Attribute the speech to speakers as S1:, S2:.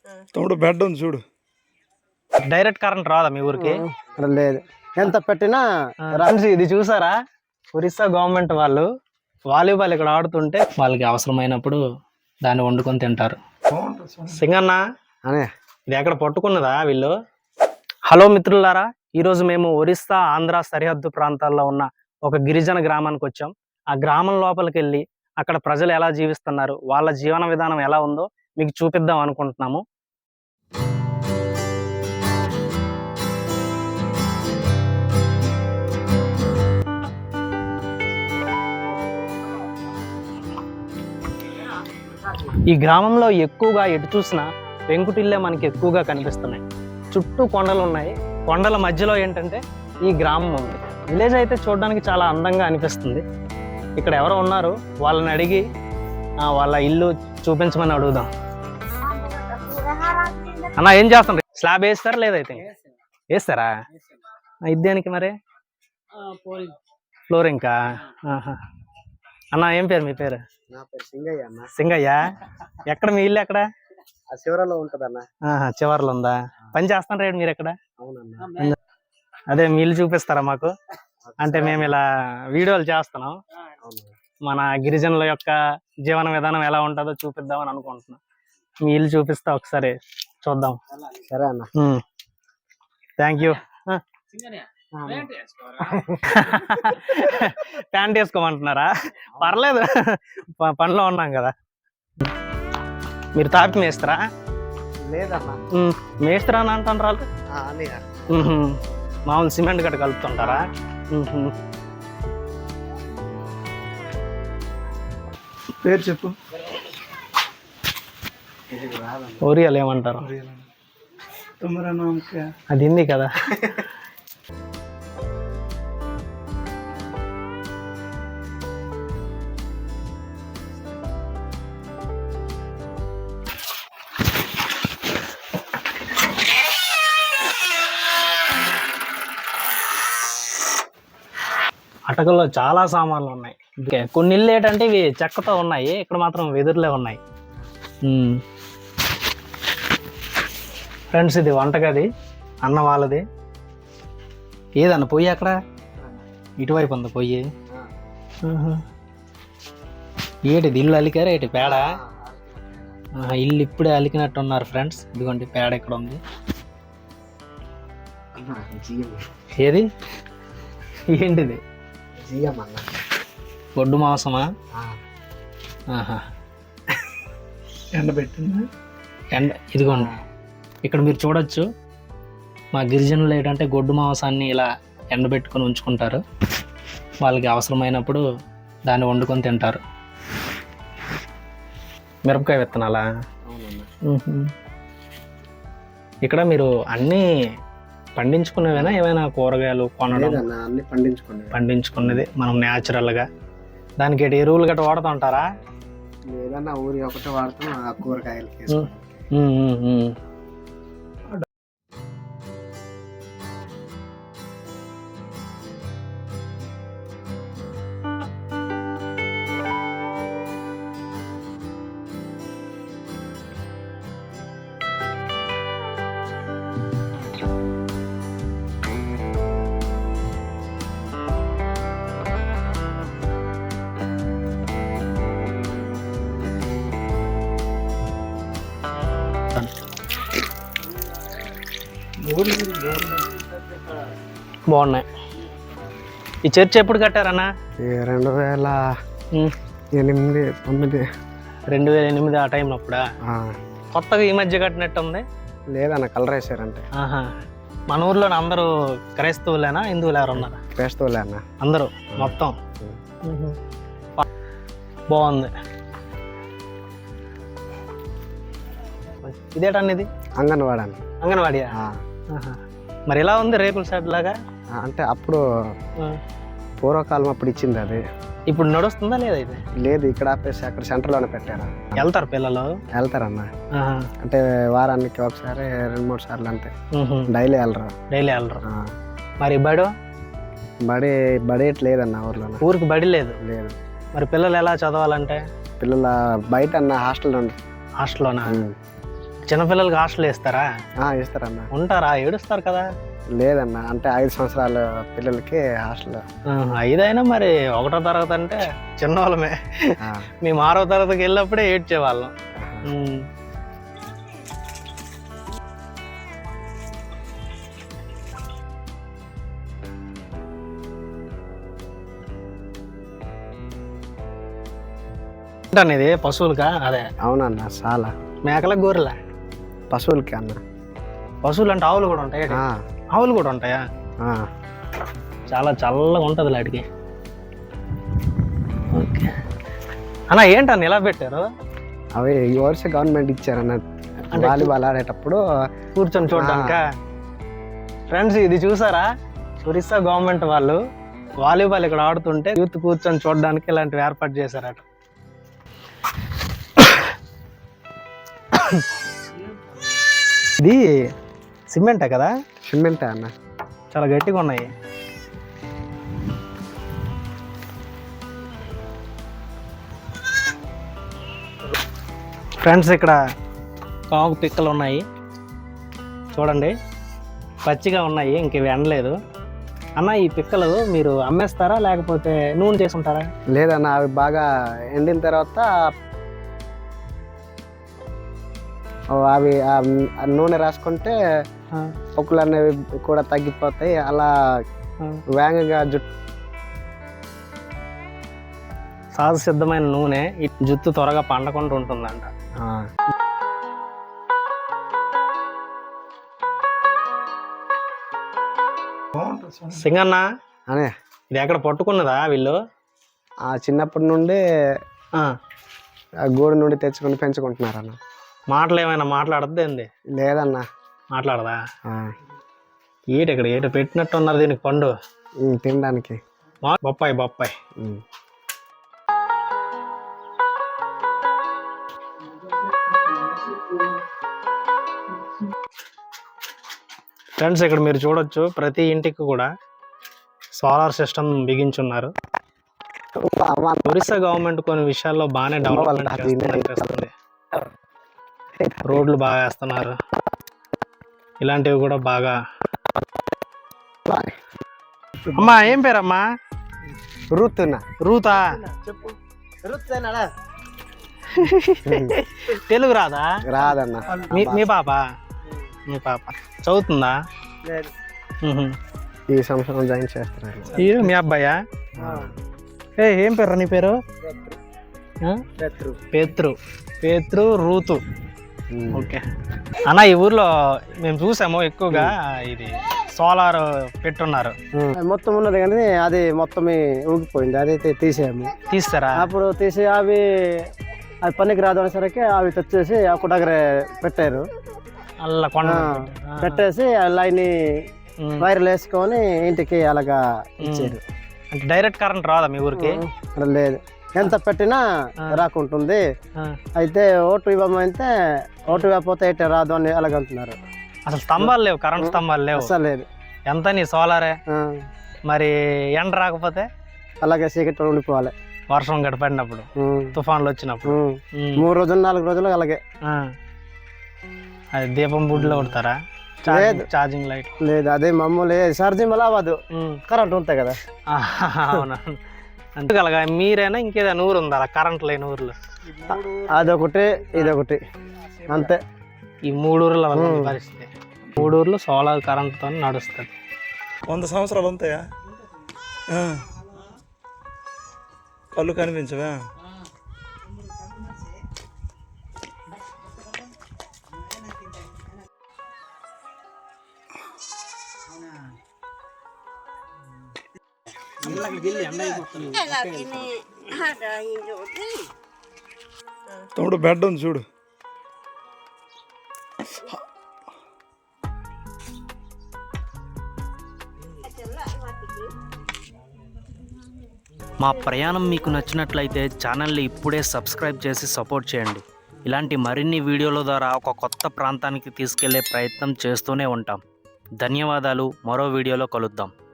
S1: తమ్ముడు బెడ్ ఉంది చూడు.
S2: డైరెక్ట్ కరెంట్ రాదా మీ ఊరికి?
S3: లేదు, ఎంత పెట్టినా
S2: ఇది చూసారా, ఒరిస్సా గవర్నమెంట్ వాళ్ళు వాలీబాల్ ఇక్కడ ఆడుతుంటే వాళ్ళకి అవసరమైనప్పుడు దాన్ని వండుకొని తింటారు. సింగన్న
S3: అనే
S2: ఇది ఎక్కడ పట్టుకున్నదా వీళ్ళు? హలో మిత్రులారా, ఈరోజు మేము ఒరిస్సా ఆంధ్ర సరిహద్దు ప్రాంతాల్లో ఉన్న ఒక గిరిజన గ్రామానికి వచ్చాం. ఆ గ్రామం లోపలికి వెళ్ళి అక్కడ ప్రజలు ఎలా జీవిస్తున్నారు, వాళ్ళ జీవన విధానం ఎలా ఉందో మీకు చూపిద్దాం అనుకుంటున్నాము. ఈ గ్రామంలో ఎక్కువగా ఎటు చూసినా పెంకుటిల్లే మనకి ఎక్కువగా కనిపిస్తున్నాయి. చుట్టూ కొండలు ఉన్నాయి. కొండల మధ్యలో ఏంటంటే ఈ గ్రామం ఉంది. విలేజ్ అయితే చూడడానికి చాలా అందంగా అనిపిస్తుంది. ఇక్కడ ఎవరో ఉన్నారు, వాళ్ళని అడిగి వాళ్ళ ఇల్లు చూపించమని అడుగుదాం. అన్న ఏం చేస్తున్నారు? స్లాబ్ వేస్తారా లేదైతే వేస్తారా? ఇదేనికి మరి ఫ్లోరింగ్కా? అన్న ఏం పేరు మీ పేరు?
S3: నా పేరు సింగయ్య అన్న.
S2: సింగయ్య, ఎక్కడ మీ ఇల్లు ఎక్కడ?
S3: చివరలో ఉంటదన్న.
S2: చివర్లో ఉందా? పని చేస్తాను రేడు మీరు ఎక్కడ?
S3: అవునన్నా.
S2: అదే మీ ఇల్లు చూపిస్తారా మాకు? అంటే మేము ఇలా వీడియోలు చేస్తున్నాం, మన గిరిజనుల యొక్క జీవన విధానం ఎలా ఉంటుందో చూపిద్దామని అనుకుంటున్నాం. మీ ఇల్లు చూపిస్తా ఒకసారి చూద్దాం.
S3: సరే అన్న.
S2: Thank you. ప్యాంట్ వేసుకోమంటున్నారా? పర్లేదు, పనిలో ఉన్నాం కదా. మీరు తాపి మేస్తారా?
S3: లేదన్నా.
S2: మేస్తారా అని అంటున్నారు. మామూలు సిమెంట్ గట్ట కలుపుతుంటారా?
S1: పేరు చెప్పు.
S2: ఒరియాలు ఏమంటారు? అది హిందీ కదా. అటకల్లో చాలా సామాన్లు ఉన్నాయి. కొన్ని ఇల్లు ఏంటంటే ఇవి చెక్కతో ఉన్నాయి, ఇక్కడ మాత్రం వెదురులే ఉన్నాయి. ఫ్రెండ్స్, ఇది వంటగది, అన్న వాళ్ళది. ఏదన్న పొయ్యి అక్కడ ఇటువైపు ఉంది పొయ్యి. ఏటిది ఇల్లు అలికారా? ఏటి పేడ? ఇల్లు ఇప్పుడే అలికినట్టున్నారు ఫ్రెండ్స్. ఇదిగోండి పేడ ఇక్కడ ఉంది. ఏది ఏంటిది? గొడ్డు మాంసమా?
S1: ఎండబెట్టింది.
S2: ఇదిగోండి ఇక్కడ మీరు చూడొచ్చు. మా గిరిజనులు ఏంటంటే గొడ్డు మాంసాన్ని ఇలా ఎండబెట్టుకొని ఉంచుకుంటారు. వాళ్ళకి అవసరమైనప్పుడు దాన్ని వండుకొని తింటారు. మిరపకాయ విత్తనాలా? ఇక్కడ మీరు అన్నీ పండించుకునేవేనా, ఏమైనా కూరగాయలు కొనడం?
S3: అన్ని
S2: పండించుకునేది మనం న్యాచురల్గా. దానికి ఎరువులు గట్రా వాడుతూ ఉంటారా?
S3: లేదన్నా, ఊరి ఒకటే వాడుతాం. ఆ కూరగాయలు
S2: బాగున్నాయి. ఈ చర్చ్ ఎప్పుడు కట్టారన్నా?
S3: 2008, 2009.
S2: 2008 ఆ టైంలో అప్పుడా? కొత్తగా ఈ మధ్య కట్టినట్టు ఉంది.
S3: లేదన్న, కలర్ వేసారంటే.
S2: మన ఊర్లో అందరూ క్రైస్తవులేనా, హిందువులు ఎవరు ఉన్నారా?
S3: క్రైస్తవులే అన్న
S2: అందరూ మొత్తం. బాగుంది. ఇదేటండి? ఇది అంగన్వాడియా? మరి ఎలా ఉంది? రేకుల షెడ్ లాగా?
S3: అంటే అప్పుడు పూర్వకాలం అప్పుడు ఇచ్చింది అది.
S2: ఇప్పుడు నడుస్తుందా లేదా? ఇది
S3: లేదు, ఇక్కడ ఆపేసి అక్కడ సెంటర్లోనే పెట్టారు.
S2: వెళ్తారు పిల్లలు?
S3: వెళ్తారన్న. అంటే వారానికి ఒకసారి 2-3 సార్లు అంతే. డైలీ వెళ్ళరు.
S2: మరి బడి
S3: లేదన్న ఊర్లో.
S2: ఊరికి బడి లేదు? మరి పిల్లలు ఎలా చదవాలంటే?
S3: పిల్లల బయట అన్న హాస్టల్లోనా?
S2: చిన్నపిల్లలకి హాస్టల్ వేస్తారా?
S3: ఇస్తారన్న.
S2: ఉంటారా? ఏడుస్తారు కదా.
S3: లేదన్న, అంటే 5 సంవత్సరాల పిల్లలకి హాస్టల్.
S2: 5 అయినా మరి 1వ తరగతి అంటే చిన్నవాళ్ళమే. మేము 6వ తరగతికి వెళ్ళినప్పుడే ఏడ్చేవాళ్ళం. ఇది పశువులకా? అదే.
S3: అవునన్న, చాలా.
S2: మేకలకు, గొర్రెల?
S3: పశువులకి అన్న.
S2: పశువులు అంటే ఆవులు కూడా ఉంటాయి? ఆవులు కూడా ఉంటాయా? చాలా చల్లగా ఉంటుంది వాటికి. ఓకే అన్న, ఏంటన్న ఇలా పెట్టారు?
S3: అవి ఈ વર્ષ గవర్నమెంట్ ఇచ్చారన్న, వాలీబాల్ ఆడేటప్పుడు
S2: కూర్చొని చూడడానిక. ఫ్రెండ్స్, ఇది చూసారా? ఒరిస్సా గవర్నమెంట్ వాళ్ళు వాలీబాల్ ఇక్కడ ఆడుతుంటే యూత్ కూర్చొని చూడడానికి ఇలాంటివి ఏర్పాటు చేశారట. ఇది సిమెంటే కదా?
S3: సిమెంటే అన్న,
S2: చాలా గట్టిగా ఉన్నాయి. ఫ్రెండ్స్, ఇక్కడ కాకు పిక్కలు ఉన్నాయి చూడండి, పచ్చిగా ఉన్నాయి, ఇంక ఇవి ఎండలేదు. అన్న, ఈ పిక్కలు మీరు అమ్మేస్తారా లేకపోతే నూనె చేసుకుంటారా?
S3: లేదన్న, అవి బాగా ఎండిన తర్వాత అవి నూనె రాసుకుంటే పొక్కులు అనేవి కూడా తగ్గిపోతాయి. అలా వేగంగా
S2: సహజ సిద్ధమైన నూనె జుట్టు త్వరగా పండకుండా ఉంటుందంట. సింగన్న,
S3: అనే
S2: ఇది ఎక్కడ పట్టుకున్నదా వీళ్ళు?
S3: చిన్నప్పటి నుండి గూడు నుండి తెచ్చుకొని పెంచుకుంటున్నారన్న.
S2: మాటలు ఏమైనా మాట్లాడద్దు ఏంది?
S3: లేదన్నా.
S2: మాట్లాడదా? ఇక్కడ ఏట పెట్టినట్టు ఉన్నారు దీనికి పండు
S3: తినడానికి.
S2: బొప్పాయి బొప్పాయి. ఫ్రెండ్స్, ఇక్కడ మీరు చూడొచ్చు, ప్రతి ఇంటికి కూడా సోలార్ సిస్టమ్ బిగించున్నారు. ఒరిస్సా గవర్నమెంట్ కొన్ని విషయాల్లో బాగానే డెవలప్మెంట్ చేస్తుంది. రోడ్లు బాగా వేస్తున్నారు, ఇలాంటివి కూడా బాగా. అమ్మా, ఏం పేరమ్మా? రూతా? తెలుగు రాదా?
S3: రాదన్న.
S2: మీ పాప చదువుతుందా?
S3: ఈ సంవత్సరం జాయిన్ చేస్తున్నారు.
S2: మీ అబ్బాయా? ఏం పేరు నీ పేరు? పేత్రు రూతు. ఓకే అన్న, ఈ ఊర్లో మేము చూసాము ఎక్కువగా ఇది సోలార్ పెట్టున్నారు.
S3: మొత్తం ఉన్నది కానీ అది మొత్తం ఊగిపోయింది, అదైతే తీసారా? అప్పుడు తీసి అవి పనికి రాదు అనేసరికి అవి తెచ్చేసి ఒక దగ్గర పెట్టారు.
S2: అలా కొండ
S3: పెట్టేసి లైన్ వైర్లు వేసుకొని ఇంటికి అలాగా ఇచ్చారు.
S2: అంటే డైరెక్ట్ కరెంట్ రాదా మీ ఊరికి?
S3: లేదు, ఎంత పెట్టినా రాకుంటుంది. అయితే ఓటు ఇవ్వమంటే ఓటు ఇవ్వకపోతే అయితే రాదు అని అలాగంటున్నారు.
S2: అసలు స్తంభాలు లేవు, కరెంట్ స్తంభాలు లేవు.
S3: అసలు లేదు.
S2: ఎంత నీ సోలారే? మరి ఎండ రాకపోతే
S3: అలాగే చీకటి ఉండిపోవాలి.
S2: వర్షం గడిపడినప్పుడు, తుఫాన్లు వచ్చినప్పుడు
S3: 3 రోజులు 4 రోజులు అలాగే.
S2: అది దీపం బుడ్లో కొడతారా?
S3: లేదు,
S2: ఛార్జింగ్ లైట్
S3: లేదు. అదే మామూలు ఛార్జింగ్ వల్ల అవ్వదు, కరెంట్ ఉంటాయి కదా.
S2: అవునా? అంతేకలగా మీరైనా ఇంకేదైనా ఊరు ఉందా కరెంట్ లేని ఊర్లో?
S3: అదొకటి ఇదొకటి అంతే.
S2: ఈ 3 ఊర్ల పరిస్థితి. 3 ఊర్లు సోలార్ కరెంట్తో నడుస్తుంది.
S1: 100 సంవత్సరాలు ఉంటాయా? కళ్ళు కనిపించవా? తమ్ముడు, బెడ్ ఉంది చూడు.
S4: మా ప్రయాణం మీకు నచ్చినట్లయితే ఛానల్ని ఇప్పుడే సబ్స్క్రైబ్ చేసి సపోర్ట్ చేయండి. ఇలాంటి మరిన్ని వీడియోల ద్వారా ఒక కొత్త ప్రాంతానికి తీసుకెళ్లే ప్రయత్నం చేస్తూనే ఉంటాం. ధన్యవాదాలు. మరో వీడియోలో కలుద్దాం.